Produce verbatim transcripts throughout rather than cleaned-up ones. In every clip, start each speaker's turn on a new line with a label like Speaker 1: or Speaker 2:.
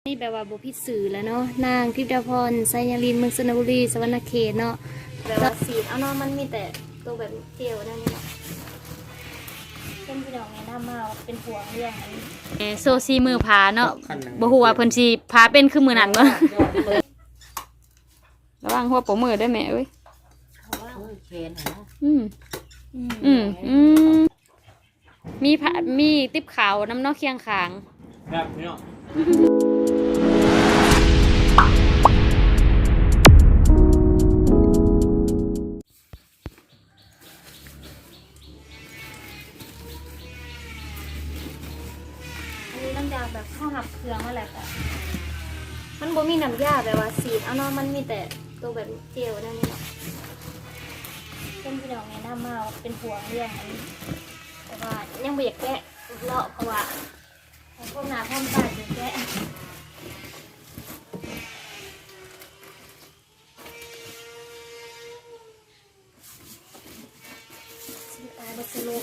Speaker 1: นี่แปลว่าบุพิสื่อแล้วเนาะนางทิพย์พรไซยาลินเมืองสระบุรีสวรรณเขตเนาะแปลว่าสีเอาเนาะมันมีแต่ตัวแบบเจียวนั่นนี่เนาะเป็นพี่น้องไงหน้ามาเป็นห่วงเรื่องอันนี้โซซีมือผาเนาะบ่ฮู้ว่าเพิ่นสิผาเป็นคือมือนั้นบ่ระวังหัวโปมือได้แม่เอ้ยอืมอืมอืมมีผามีติ๊บขาวน้ำนอกเคียงขางครับพี่น้องน้ำยาแบบข้าวหับเครื่องมาแหละค่ะมันบ่มีน้ำยาแบบว่าสีดเอาเนาะมันมีแต่ตัวแบบเจลนั่นนี่เนาะเป็นพี่น้องไงหน้ามาเป็นห่วงเรื่องอันนี้แต่ว่ายังไม่อยากแกะเลาะเพราะว่าพวกหนาพวกตาจะแกะสีตายบัสโล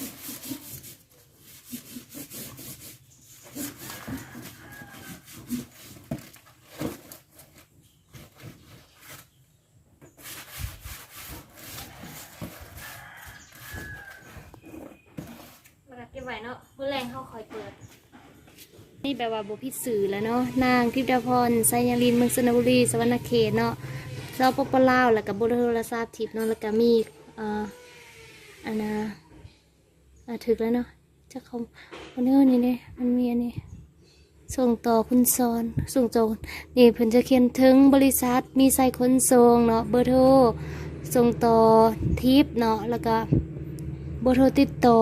Speaker 1: เก็บไว้เนาะมื้อแรงเขาคอยเปิดนี่แปลว่าบุพิสื่อแล้วเนาะนางทิพย์พรไซยาลินเมืองสระบุรีสวรรณเขตเนาะเราปปลาวแล้วก็บ่โทรศัพท์ทิพย์เนาะแล้วก็มีเอ่ออันน่ะอ่ะถึกแล้วเนาะจะเขาคนนี้นี่นี่มันมีอันนี้ส่งต่อคุณซอนส่งต่อนี่เพิ่นจะเขียนถึงบริษัทมีไซขนส่งเนาะเบอร์โทรส่งต่อทิพย์เนาะแล้วก็เบอร์โทรติดต่อ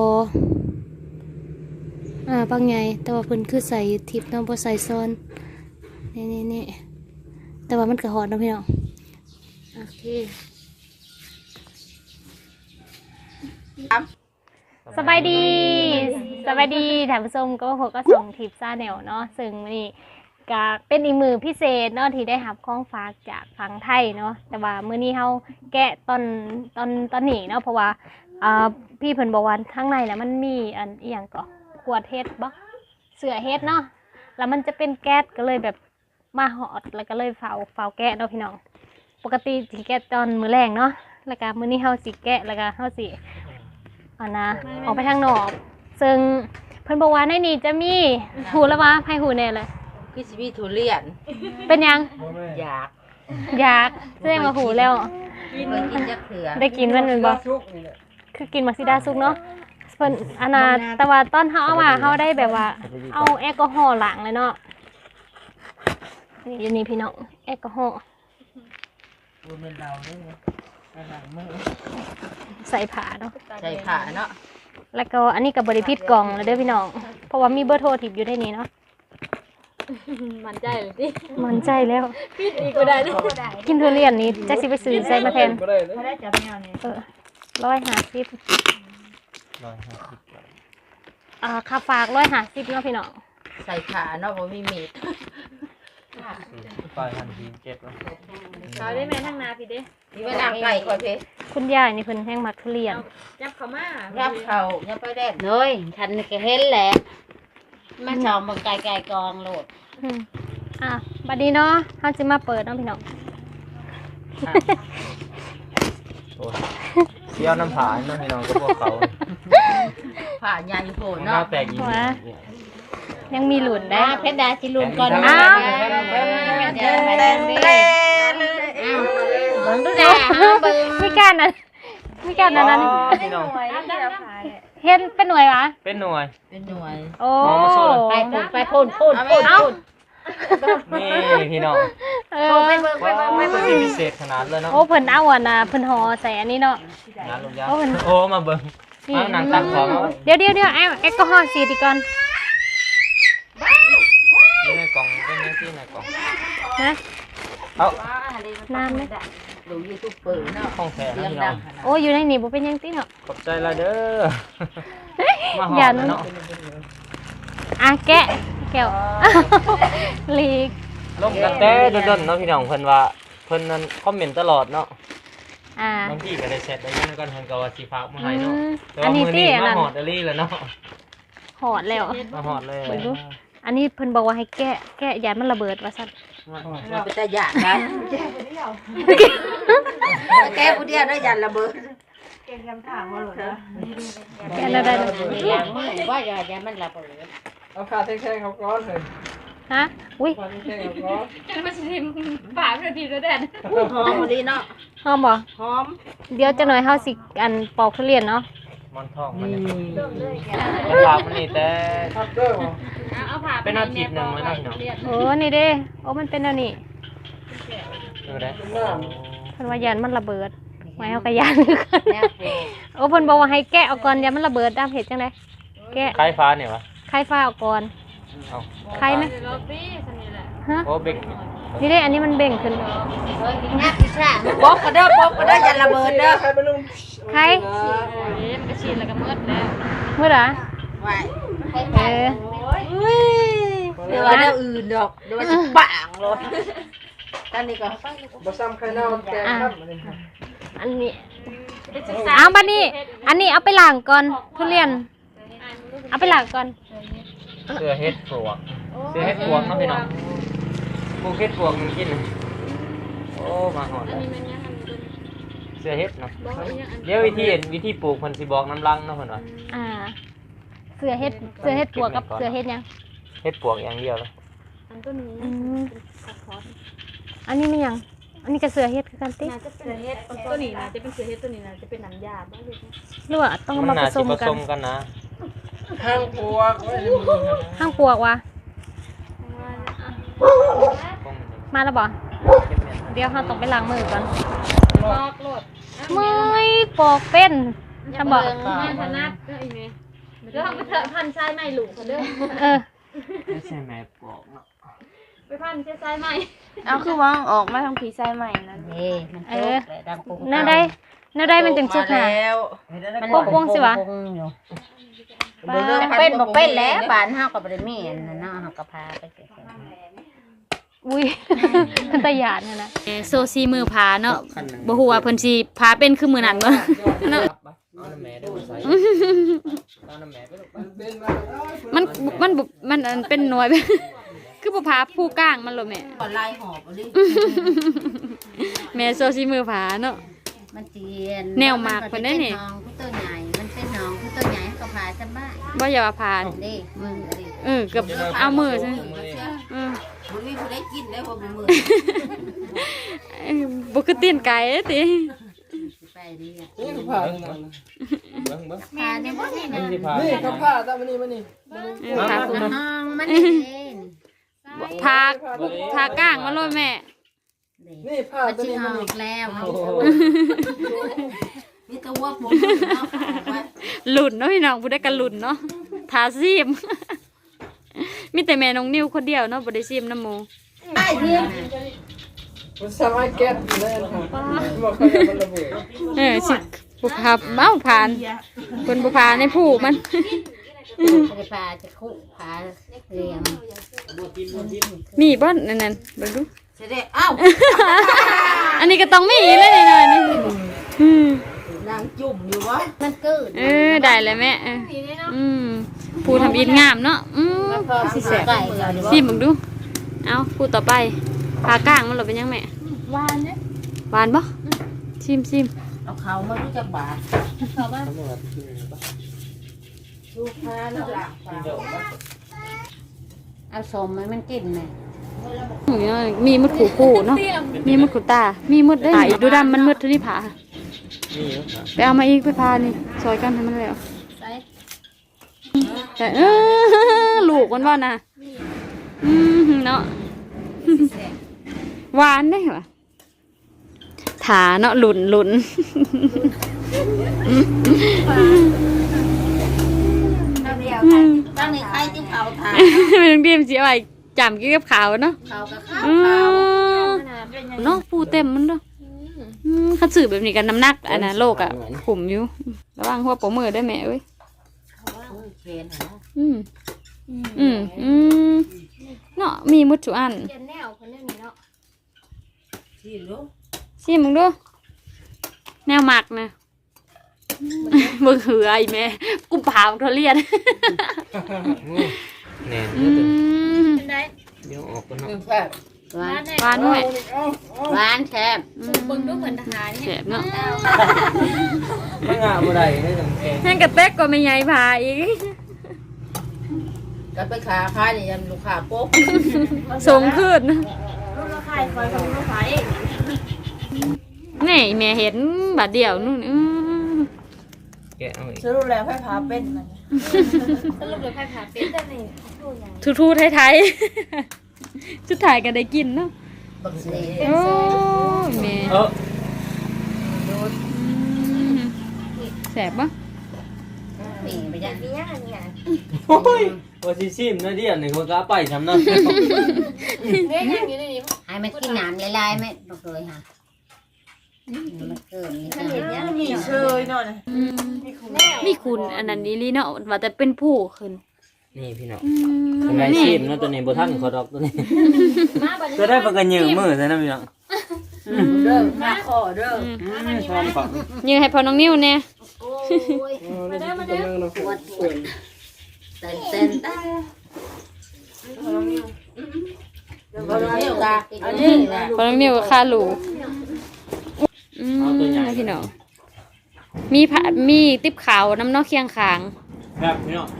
Speaker 1: อ่าบางไงแต่ว่าเพิ่นคือใส่ทิปน้องบ่ใส่ซ้อนนี่นี่นี่แต่ว่ามันกระหอดนะพี่น้องโอเคสบายดีสบายดีท่านผู้ชมก็พบก็ส่งทิปซาแนลเนาะซึ่งนี่ก็เป็นอีกมือพิเศษเนาะที่ได้รับของฝากจากฝั่งไทยเนาะแต่ว่ามื้อนี้เฮาแกะตอนตอนตอนนี้เนาะเพราะว่าอ่าพี่เพิ่นบอกว่าข้างในน่ะมันมีอันอีหยังก็ขวดเฮ็ดบ่เสือเฮ็ดเนาะแล้วมันจะเป็นแก๊สก็เลยแบบมาหอดแล้วก็เลยเฝ้าเฝ้าแกะเนาะพี่น้องปกติสิแกะตอนมื้อแรงเนาะแล้วก็มื้อนี้เฮาสิแกะแล้วก็เฮาสิอันนะออกไปทางนอกซึ่งเพิ่นบอกว่าในนี้จะมีหูแล้วว่าให้หูแน่เลย
Speaker 2: คือสิมีทุเรียน
Speaker 1: เป็นยัง
Speaker 2: อยาก
Speaker 1: อยากแสดงว่าหูแล้ว
Speaker 2: กินกินจักเถื่อ
Speaker 1: ได้กินมันเป็นบ่คือกินมักซิดาซุกเนาะเพิ่นอันน่ะแต่ว่าตอนเฮาเอามาเฮาได้แบบว่าเอาแอลกอฮอล์ล้างเลยเนาะนี่อยู่นี่พี่น้องแอลกอฮอล์
Speaker 2: บ่แม่นเราเด้อล้างมือ
Speaker 1: ใส่ผ้าเนาะ
Speaker 2: ใส่ผ้าเนาะ
Speaker 1: แล้วก็อันนี้ก็บ่ได้ผิดกล่องเลยเด้อพี่น้องเพราะว่ามีเบอร์โทรทิปอยู่ในนี้เนาะ
Speaker 3: มั่นใจเลยดิ
Speaker 1: มั่นใจแล้ว
Speaker 3: ผิดอีกบ่ได้เด้อ
Speaker 1: กินทุเรียนนี่จักสิไปซื้อใส่มาแทน
Speaker 3: บ่ได้จับแนวนี้
Speaker 1: เออหนึ่งร้อยห้าสิบอ่าค่าฝากร้อยห้าสิบเนาะพี่น้อง
Speaker 2: ใส่ขาเนาะบ่มีมีด
Speaker 4: ไปทันทีเจ็บแล้ว
Speaker 3: เขาได้แม่ทั้งนาพี่เด้
Speaker 2: นี่ว่าน้ำไก่ก่อนพี่
Speaker 1: คุณยายนี่เพิ่นแห้งมักทุเรียน
Speaker 3: ยับเข้ามา
Speaker 2: ยับเข้ายับไปแดดเลยฉันก็เห็นแหละมาชอบมาไก่ๆกองโลด
Speaker 1: อ่ะบัดนี้เนาะเฮาสิมาเปิดเนาะพี่น้อง
Speaker 4: เที่ยวน้ำผาน้ำพี่น้องก็พวกเขา
Speaker 2: ผาใหญ่โผล่เนาะ
Speaker 4: แปลกอีก
Speaker 1: ยังมีหลุนได้
Speaker 2: เพชรดาสิหลุนก่อน
Speaker 1: อ้าวมีการนั้นมีการนั้นนั้นเห็นเป็นหน่วยวะ
Speaker 4: เป็นหน่วย
Speaker 2: เป็นหน่วย
Speaker 1: โอ้
Speaker 2: ไปพูดไปพูดพูดพูดพูด
Speaker 4: นี่พี่น้อง
Speaker 1: เออ
Speaker 4: ไม่เบิ่งไม่เบิ่งไม่เบิ่งพิเศษขนาดเลยเนาะ
Speaker 1: โอ้เพิ่นเอาอ่ะนะเพิ่นห่อใส่อันนี้เนาะ
Speaker 4: งานลงยาโอ้มาเบิ่งมาหนังตักของ
Speaker 1: เดี๋ยวเดี๋ยวเดี๋ยวแอลกอฮอล์สีดีก่อน
Speaker 4: นี่ในกล่องเป็นยังที่ในกล่อง
Speaker 1: นะ
Speaker 4: เอา
Speaker 1: น้ำไหม
Speaker 2: ดูยูทูบเปิดเนาะ
Speaker 4: ห้องแท้พี่น้อง
Speaker 1: โอ้อยู่ในนี่บ่เป็นยังติเนาะ
Speaker 4: ขอบใจละเด้อมาหอมเนาะ
Speaker 1: อ่ะแกะแก้วลีก
Speaker 4: ลงกันแต่ดนๆเนาะพี่น้องเพิ่นว่าเพิ่นนั้นคอมเมนต์ตลอดเนาะ
Speaker 1: อ่า
Speaker 4: บางทีก็ได้เสร็จได้ยังกันเพิ่นก็ว่าสิฝากมาให้เนาะแต่ว่ามื้อนี้มาหอดอลี่แล้วเนาะ
Speaker 1: หอดแล้ว
Speaker 4: มาหอดเลย
Speaker 1: อันนี้เพิ่นบอกว่าให้แกะแกะยานมันระเบิดว่าซั่น
Speaker 2: เราไปแต่หยาดนะแก้ผู้เดียวได้หยาดระเบิด
Speaker 3: เก่งคำถามว่าหรอนะ
Speaker 1: แกะแล้วได้
Speaker 2: อย่างมือว่าอย่าอย่ามันระเบิด
Speaker 5: เอาขาแท่งๆเขาก้อนเลย
Speaker 1: ฮะอุ้ย
Speaker 5: ขาแท่งๆเขาก้อน
Speaker 3: กันมาชิมป่าเพื่อนทีแล้วแดด
Speaker 2: หอมดีเนาะ
Speaker 1: หอมบ่
Speaker 2: หอม
Speaker 1: เดี๋ยวจักหน่อยเฮาสิอันปอกทุเรียนเนาะ
Speaker 4: มันทองมันเนี่ยมันลาบมันนี่แต่
Speaker 5: ทับเด้อบ่
Speaker 3: เอาผ่า
Speaker 4: เป็นอาทิตย์หนึงแล้วเนาะพี่น้อง
Speaker 1: โอ้นี่เด้โอ้มันเป็นอันนี้
Speaker 4: ดูได้
Speaker 1: เพิ่นว่ายานมันระเบิดไว้เฮาก็ยานคือกัน
Speaker 2: แน่เผ็ด
Speaker 1: โอ้เพิ่นบอกว่าให้แกะเอาก่อนยานมันระเบิดตามเฮ็ดจังได๋แกะ
Speaker 4: คล้ายฟ้าเนี่ยวะ
Speaker 1: ไข่ฟ้าเอาก่อน
Speaker 4: เอา
Speaker 1: ไข่ไหม
Speaker 3: โรตี้สันนี่แหละ
Speaker 1: ฮะ
Speaker 4: โอ้เบก
Speaker 1: นี่เด้อันนี้มันเบ่งขึ้น
Speaker 2: เฮ้ยกินงับพิซซ่าบอกก็เด้อบอกก็เด้ออย่าระเบิดเด้อ
Speaker 5: ใครไปลุง
Speaker 1: ไข่
Speaker 3: เอ๊ะมันก็ชินแล้วก็มืดแล้ว
Speaker 1: มื้อละ
Speaker 2: ไว้
Speaker 1: เออ
Speaker 2: เดี๋ยวว่าเดี๋ยวอื่นดอกเดี๋ยวว่าจะปังเลยตอนนี้ก็
Speaker 5: บ่ซ้ำไข่เน่าแกงครับอันนี้
Speaker 1: อันนี้เอาบัดนี้ อันนี้เอาไปล้างก่อนทุเรียน เอาไปล้างก่อน
Speaker 4: เสือเฮ็ดปลวกเสือเฮ็ดปลวกเนาะพี่น้องปลูกเฮ็ดปลวกมันกินโอ้มาหอดแล้วเสือเฮ็ดเนาะเดี๋ยววิธีเห็นวิธีปลูกเพิ่นสิบอกน้ำลังเนาะเพิ่นว่า
Speaker 1: อ่า เสือเฮ็ด เสือเฮ็ดปวกกับเสือเฮ็ดหยัง
Speaker 4: เฮ็ดปลวกอย่างเดียวเลย
Speaker 3: อันตัวนี้
Speaker 1: อืมอันนี้มันหยัง อันนี้ก็เสือเฮ็ดคือกันติ
Speaker 3: น่าจะเป็นเฮ็ดตัวนี้นะจะเป็นเสือเฮ็ดตัวนี้นะจะเป็นน้ำยาบ้างเลย
Speaker 1: หรือว่าต้องเอา
Speaker 4: มัน
Speaker 1: มาผ
Speaker 4: น่า
Speaker 1: ส
Speaker 4: สิ
Speaker 1: ม
Speaker 4: ผ
Speaker 1: กั
Speaker 4: ส
Speaker 1: น
Speaker 4: มกันนะ
Speaker 5: ห้างปวกไว้ในมือ
Speaker 1: ห้างปวกวะ
Speaker 4: คง
Speaker 1: มาแล้วบ่เดี๋ยวเราต้องไปล้างมือก่อน
Speaker 3: ลอกโลด
Speaker 1: ไม่ปอกเป็นทำบ่
Speaker 3: แม่ธนัดก็อีเมย์เดี๋ยวทำไปเถอะพันชายใหม่หลูกเขาเด้อ
Speaker 1: เออ
Speaker 4: ไม่ใช่แม่ปลวกเนาะ
Speaker 3: ไปพันชายชายใหม่
Speaker 6: เอาคือว่าออกมาทางผีไซใหม่นั่น
Speaker 2: นี่มันโตเลยดังปุ้ง
Speaker 1: แน่ได้แน่ได้มันจึงสุกหา
Speaker 2: มัน
Speaker 1: โป่งๆสิวะ
Speaker 2: โป่งๆอยู่มันเป็นบ่เป็นแล้วบ้านเฮาก็บ่ได้มีอันนั้นเนาะเฮาก็พาไปเก็บ
Speaker 1: อุ้ย มันตะหยาดเนี่ยนะ
Speaker 6: โซซีมือพาเนาะบ่ฮู้ว่าเพิ่นสิพาเป็นคือมือนั้นบ่เนาะ
Speaker 4: เอาน้ำแม่ได้บ่ใส่เอาน้ำแม่ไปลูก
Speaker 5: เป็นมา
Speaker 6: มันมันบ่มันอันเป็นหน่วย คือบ่พาผู้กลางมันโลแม่
Speaker 2: ก็ไล่หอบเอาดิ
Speaker 6: แม่โซซีมือพาเนาะ
Speaker 2: มันเจียน
Speaker 6: แนวหมากเพิ่นได้นี่
Speaker 2: น้องผู้ตัวใหญ่มันเป็นน้องผู้ตัวใหญ่ก็พาจำบ้าน
Speaker 6: บ่อย่าว่าพา
Speaker 2: ดิมึงดิ
Speaker 6: เออเกือบเอามือซะเออ
Speaker 2: บ่มีผู้ใดกินได้บ่มือ
Speaker 6: เอ้ยบ่คือตีนไก่ติ
Speaker 2: ไปดิอ่ะ
Speaker 5: นี่คือผ้านี่นะ
Speaker 4: เบิ่งเบิ่ง
Speaker 2: พาในบ่นี่
Speaker 4: มัน
Speaker 2: นะ
Speaker 4: สิพา
Speaker 5: นี่เขาผ้าตามมานี่มานี่
Speaker 6: เออพาผู้
Speaker 2: น้องมันเอง
Speaker 6: พาพากลางมาโลดแม่
Speaker 5: นี่ผ้า
Speaker 2: มัน
Speaker 5: ตัว
Speaker 2: สิ
Speaker 5: นี้
Speaker 2: อ
Speaker 5: มา
Speaker 2: อ
Speaker 5: นี่
Speaker 2: กแล้วมีตัวผมเนาะ
Speaker 6: หลุนเนาะพี่น้องผู้ได้กันหลุนเนาะทาซีม มีแต่แม่น้องนิวคนเดียวเนาะบ่ได้ซีมน้ำหมู
Speaker 2: ได้เพียง
Speaker 5: มันสามารถแก๊สอยู่ได้นะครับบอกเขาจะมันระเบิด
Speaker 6: เออสิบุพาเมาผ่านคนบุพาในผู้มัน
Speaker 2: จะพาจะคุพาเรียง
Speaker 6: มีบ่นั่นนั่นเบิ่งดู
Speaker 2: จะได้เอ้า
Speaker 6: อันนี้ก็ต้องมีเลยนี่หน่อยนี่อืม
Speaker 2: นางจุ่มอยู่วะมันเกิด
Speaker 6: เออได้เลยแม่เอออืมผู้ทำอินงามเนาะอืม
Speaker 2: พอสิแสบไก่เดียวดี
Speaker 6: ซีมเบิ่งดู เอาผู้ต่อไปพากลางมันหลบเป็นยังแม่
Speaker 3: วานเนี่ย
Speaker 6: หวานบ่ชิมชิม
Speaker 2: เอาเขามารู้จักบาท
Speaker 3: เขาบ้าน
Speaker 2: ดูพาแล้วหลังเอาสมมันมันกินไหม
Speaker 6: อืมมีมุดขู่คู่เนาะมีมุดขู่ตา มีมุดได้อีกดูดำมันมุดเท่านี้ผา
Speaker 4: นี่อยู่ครับ
Speaker 6: ไปเอามาอีกไปพานี่ซอยกันให้มันแล้วแต่เออลูกมันว่านะอืมเนาะหวานได้เหรอถาเนาะหลุนหลุน
Speaker 2: ตั้งในใครที่เขาทาน
Speaker 6: ไม่ต้องเดียมสิเอาไว้จำกี่กับขาวเนาะ
Speaker 2: เขากับข้าว
Speaker 6: อื
Speaker 2: เขา
Speaker 6: มเนาะปูเต็มมันเนาะอืมคัดสื่อแบบนี้กันน้ำหนักอันนะโลกอ่ะขุมอยู่ระวังหัวโปมือได้แม่เอ้ย
Speaker 2: เขียนหา
Speaker 6: อืมอืมอืมเนาะมีมุดจุอัน
Speaker 1: เจนแนวคนนี้เนาะ
Speaker 2: ที่รู้
Speaker 6: ชิมมึงดูแนวหมักนะมึงเหือไอ้แม่กูเผาเขาเรียน
Speaker 4: แหน่
Speaker 6: อืม
Speaker 3: เป็นได้
Speaker 4: เดี๋ยวออกกันเนาะ
Speaker 5: หนึ่งแซ่บ
Speaker 2: หวาน
Speaker 6: หวานด้วย
Speaker 5: เอาเอา
Speaker 2: หวานแซ่บ
Speaker 3: เบิ่งดูเหมือนทหาร
Speaker 6: แส
Speaker 3: เนี่ย
Speaker 6: บเนาะ
Speaker 4: ไม่งาบ่ได้ได้จังแกง
Speaker 6: แห้งกระเต๊กก็ไม่ใหญ่พาอีก
Speaker 5: กันไปขาค้านี่ยันลูกค้าโป๊ก
Speaker 6: สูงขึ้น
Speaker 3: รุ่นละขายคอยกับรุ่นละขายเอง
Speaker 6: นี่แม่เห็นบาดเดียวนู่นอื้อ
Speaker 4: แกะเอาอีก
Speaker 5: สรุปแล้วไฟฟ้าเป็นมัน
Speaker 3: สรุปเลยขายขาเป็นแต่นี่ทู่ยัง
Speaker 6: ทูทูไทยๆชุดถ่ายก็ได้กินเนาะ
Speaker 5: บักเสีย
Speaker 6: โอ้ยแม่
Speaker 4: เออ
Speaker 6: แสบปะ
Speaker 2: ปีไปจ้ะ
Speaker 3: มีย่างเนี่ย
Speaker 4: โอ้ยว่าสิซิมนะเดียวนี่คนก็เอาไปทำนั่น
Speaker 3: เนี่ยย่างอยู่ในนี้
Speaker 2: ให้มันกินน้ำลายๆไหมบอกเลยค่ะมันเกินนี่ก็เห็นยัง
Speaker 5: มีเชยหน่อยนะ
Speaker 6: อืมมีคุณอันนั้นนี่ลีเนาะว่าแต่เป็นผู้ขึ้น
Speaker 4: นี่พี่น้อง
Speaker 6: อืม
Speaker 4: เป็นไร
Speaker 6: นี่
Speaker 4: ซิมนะตัวนี้บ่ทันขอดอกตัวนี้
Speaker 3: มาบัดนี้
Speaker 4: จะได้ปากกันยืมมือใช่นะพี่น้อง
Speaker 5: เด้อมาขอเด้อ
Speaker 4: ชอบฝัง
Speaker 6: ยืนให้พอน้องนิ้วเนี่ย
Speaker 2: โอ้ย
Speaker 5: มาเด้อมาเด้อ
Speaker 2: ปวดปวดเต้นเต้นตา
Speaker 5: เราเที่ยวตาอันนี้นะ
Speaker 6: พอน้องนิ้วก็คาหลูอืมพี่น้องมีผ้ามีติ๊บขาวน้ำเนอกเคียงขาง
Speaker 4: ครับพี่น้อง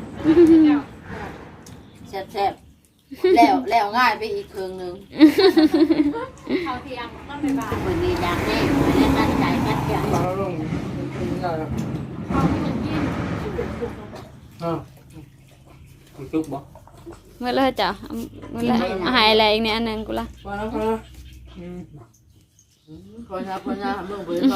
Speaker 5: แซ่บๆแล้วแล้วง่ายไปอีกเครื่องนึง
Speaker 3: เขาเทียมต้นไปบ่า
Speaker 2: คนนี้ดังแน่ไม่ได้ตั้งใจกัดอย่าง
Speaker 5: เราลงได้แล้ว
Speaker 3: เขาที่มันกิน
Speaker 5: อ่า
Speaker 4: คุณจุกบ่
Speaker 6: เมื่อไรจ้ะเมื่อไรอาหารอะไรอีกเนี่ยอันหนึงกูละ
Speaker 5: พอแล้วพอแล้ว
Speaker 4: อืม
Speaker 5: พอแล้วพอแล้วมึงไปต่อ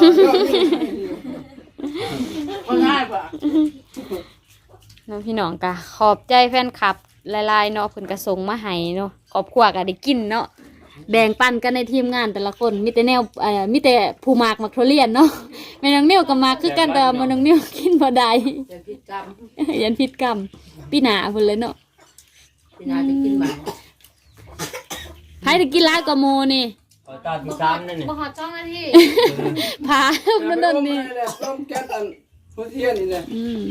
Speaker 5: พอง่ายกว่า
Speaker 6: น้องพี่น้องกะขอบใจแฟนคลับหลายๆเนาะเพิ่นกระส่งมาให้เนาะครอบครัวก็ได้กินเนาะแบ่งปันกันในทีมงานแต่ละคนมีแต่แนวเอ่อมีแต่ผู้มากมักทุเรียนเนาะแม่น้องนิ้วก็มาคือกันแต่ว่าแม่น้องนิ้วกินบ่ได้
Speaker 5: จะพิจาร
Speaker 6: ยันพิษกรรมพี่หนาเพิ่นเลยเนาะ
Speaker 5: พี่นาจะกินหมา
Speaker 6: ใครได้กินหลายกว่าหมู่นี่
Speaker 4: ขอตาที่สามนั่นนี่
Speaker 3: บ่หอดจ้องนาที
Speaker 6: พามันนั่นนี่
Speaker 5: ต้มแก๊สอันพุทเทียนนี่แหละ
Speaker 6: อืม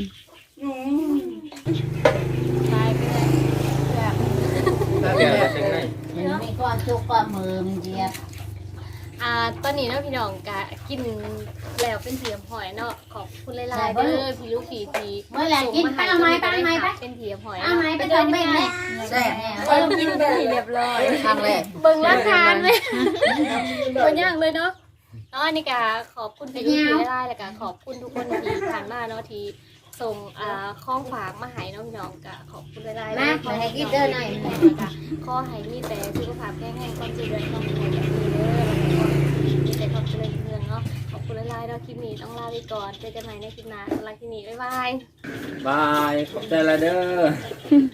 Speaker 3: ตายไปเลย
Speaker 4: แกะแบบจังไง
Speaker 2: มันมีก้อนจุกก้อนมือมันเหยียบ
Speaker 3: อ่าตอนนี้เนาะพี่น้องกะกินแล้วเป็นเทียมหอยเนาะขอบคุณหลายๆเด้อพี่ลูกพี่ที
Speaker 2: เมื่อไหร่กินป้าไม้ป้าไม้ป้า
Speaker 3: เป็นเทียมหอย
Speaker 2: ป้าไม้ไปเดินเบ่งเลย
Speaker 5: แซ่บ
Speaker 3: เริ่มกินไปเรียบร้อย
Speaker 5: ครั้งแรก
Speaker 3: เบิ่งราคาไหมตัวย่างเลยเนาะเนาะนี่กะขอบคุณพี่ลูกพี่ได้แล้วกะขอบคุณทุกคนที่ผ่านมาเนาะที่ส่งอ่าข้องฝากมาให้น้องน้องกะขอบคุณหลายๆ
Speaker 2: มาไปให้กินเด้อหน่อย
Speaker 3: ขอให้มีแต่สุขภาพแข็งแรงความเจริญความสุขแบบนี้เด้อมีแต่ความเจริญเรืองเนาะขอบคุณหลายๆเนาะคลิปนี้ต้องลาไปก่อนเจอกันใหม่ในคลิปหน้าสำหรับคลิปนี้บ๊ายบาย
Speaker 4: บายขอบใจละเด้อ